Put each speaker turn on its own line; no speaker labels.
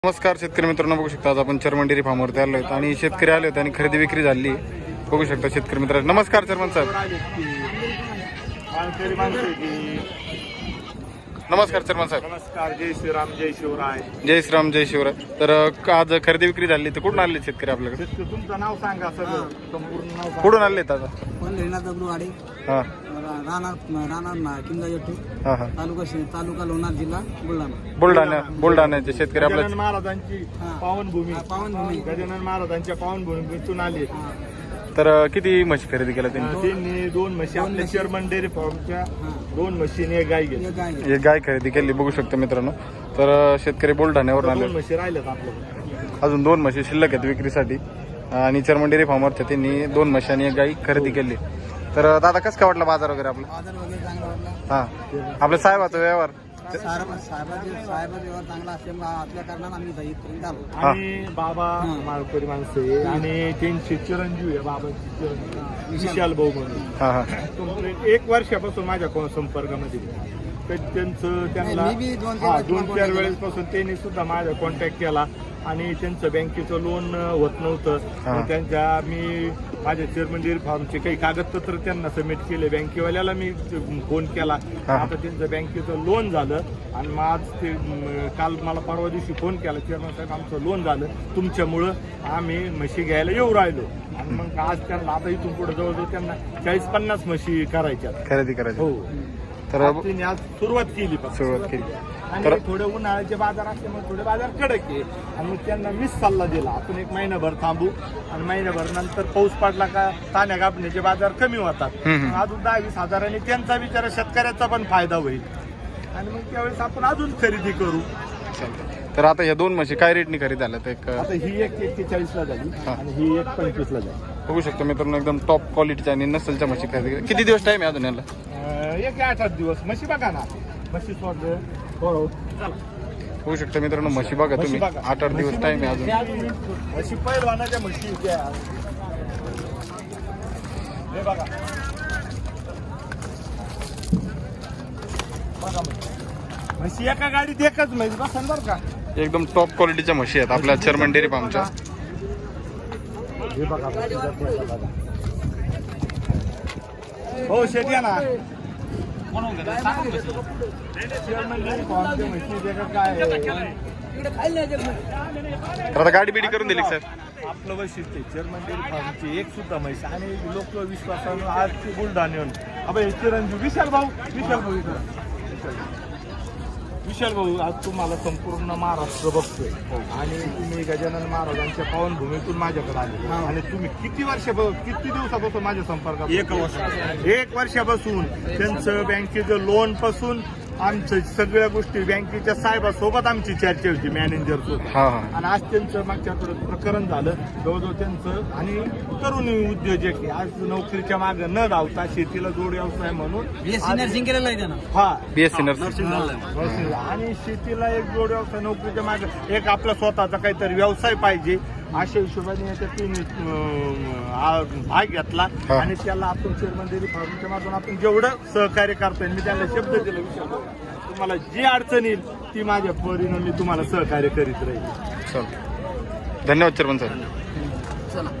नमस्कार शेतकरी मित्रांनो, बघू शकता आज आपण चर्मन डेअरी फार्मवरती आलो आहेत आणि शेतकरी आले होते आणि खरेदी विक्री झाली. बघू शकता शेतकरी मित्रांनो. नमस्कार चर्मन साहेब. नमस्कार चर्मन साहेब.
नमस्कार. जय श्रीराम, जय शिवराय.
जय श्रीराम, जय शिवराय. तर आज खरेदी विक्री झाली तर कुठून आले शेतकरी आपल्याकडे?
तुमचं नाव सांगा, सगळं संपूर्ण नाव सांगा.
कुठून आले आता? हा हा हा.
तालुका लोणार, जिल्हा
बुलढाणा. बुलढाण्याचे शेतकरी आपल्या
गजानन महाराजांची पावनभूमी, गजानन महाराजांच्या पावनभूमीतून आले.
तर किती म्हशी खरेदी केल्या त्यांनी?
त्यांनी 2 म्हशी आपल्या चर्मन डेअरी फार्मच्या 2 म्हशीने एक गाय घेतली.
एक गाय खरेदी केली. बघू शकता मित्रांनो. तर शेतकरी बुलढाण्यावरून
2
आले.
म्हशी राहिल्यात आपल्याकडे.
अजून 2 म्हशी शिल्लक आहेत विक्रीसाठी आणि चर्मन डेअरी फार्मवरच्या त्यांनी 2 म्हशी आणि एक गाई खरेदी केली. तर दादा कसं काय वाटलं बाजार वगैरे आपला?
बाजार वगैरे चांगला वाटला.
हा आपल्या साहेबाचा व्यवहार
साहेबाचा व्यवहार चांगला असल्यामुळे आपल्या कारणानं आम्ही इथपर्यंत आलो.
आणि बाबा माळकरी माणसं आहे आणि त्यांचे चिरंजीव आहे बाबांचे चिरंजीव विशाल भाऊ म्हणून.
हा हा.
कंप्लीट 1 वर्षापासून माझ्या संपर्कामध्ये. तर त्यांना
मी बी 2-4
वेळेसपासून त्यांनी सुद्धा माझा कॉन्टॅक्ट केला आणि त्यांचं बँकेचं लोन होत नव्हतं. मी माझ्या चेअरमन डेअरी फार्मचे काही कागदपत्र त्यांना सबमिट केले. बँकेवाल्याला मी फोन केला. आता त्यांचं बँकेचं लोन झालं आणि मग आज ते काल मला परवा दिवशी फोन केला, चेअरमन साहेब आमचं लोन झालं, तुमच्यामुळं आम्ही म्हशी घ्यायला येऊ राहिलो. आणि मग आज त्यांना आता इथून पुढे जवळजवळ त्यांना 40-50 म्हशी करायच्या
खरेदी करायची.
हो.
तर
त्यांनी आज सुरुवात केली. आणि थोडे उन्हाळ्याचे बाजार असल्यामुळे थोडे बाजार कडक आहे. आणि मग त्यांना मीच सल्ला दिला, आपण 1 महिनाभर थांबू आणि महिनाभर नंतर पाऊस पडला का ताण्या कापण्याचे बाजार कमी होतात. अजून 10-20 हजारांनी त्यांचा विचार शेतकऱ्याचा पण फायदा होईल आणि मग त्यावेळेस आपण अजून खरेदी करू.
तर आता ह्या 2 म्हशी काय रेटनी खरेदी झाल्यात?
आता ही 41 झाली आणि ही 25 झाली.
बघू शकतो मित्रांनो, एकदम टॉप क्वालिटीच्या आणि नसलच्या म्हशी खरेदी. किती दिवस टाइम आहे अजून याला?
1-8 दिवस. म्हशी बघा ना, म्हशी सोडलं.
होऊ शकतं मित्रांनो, म्हशी बघा तुम्ही. 8-8 दिवस टाइम आहे अजून.
म्हशी पहिलवानाच्या म्हशी हे बघा. म्हशी एका गाडीत एकच म्हैस बसन बरं का.
एकदम टॉप क्वालिटीच्या म्हशी आहेत आपल्या चर्मन डेअरी फार्मच्या.
हे बघा. हो शेती ना.
आता गाडी बिडी करून दिली सर?
आपलं वैशिष्ट्य चेअरमन डेअरी फार्मची एक सुद्धा म्हैस आणि लोक विश्वासानं आज बुलढाण्याहून अबे चिरंजीव विशाल भाऊ आज तुम्हाला संपूर्ण महाराष्ट्र बघतोय आणि तुम्ही गजानन महाराजांच्या पावनभूमीतून माझ्याकडे आले आणि तुम्ही किती दिवसापासून माझ्या संपर्कात? 1 वर्षापासून. त्यांचं बँकेचं लोन पासून आमचं सगळ्या गोष्टी बँकेच्या साहेबासोबत आमची चर्चा होती, मॅनेजर सोबत. आणि आज त्यांचं मागच्या प्रकरण झालं जवळजवळ त्यांचं. आणि तरुण उद्योजक आज नोकरीच्या मागे न धावता शेतीला जोड व्यवसाय म्हणून
नर्सिंग केलेलं आहे त्यानं.
हा
BSc नर्सिंग.
आणि शेतीला एक जोड व्यवसाय, नोकरीच्या मागे एक आपला स्वतःचा काहीतरी व्यवसाय पाहिजे अशा हिशोबाने याच्यात भाग घेतला. आणि त्याला आपण चेअरमन डेअरी फार्मच्या माध्यमातून आपण जेवढं सहकार्य करता येईल मी त्याला शब्द दिला, विचार तुम्हाला जी अडचण येईल ती माझ्या परीनं मी तुम्हाला सहकार्य करीत राहील.
धन्यवाद चेअरमन सर.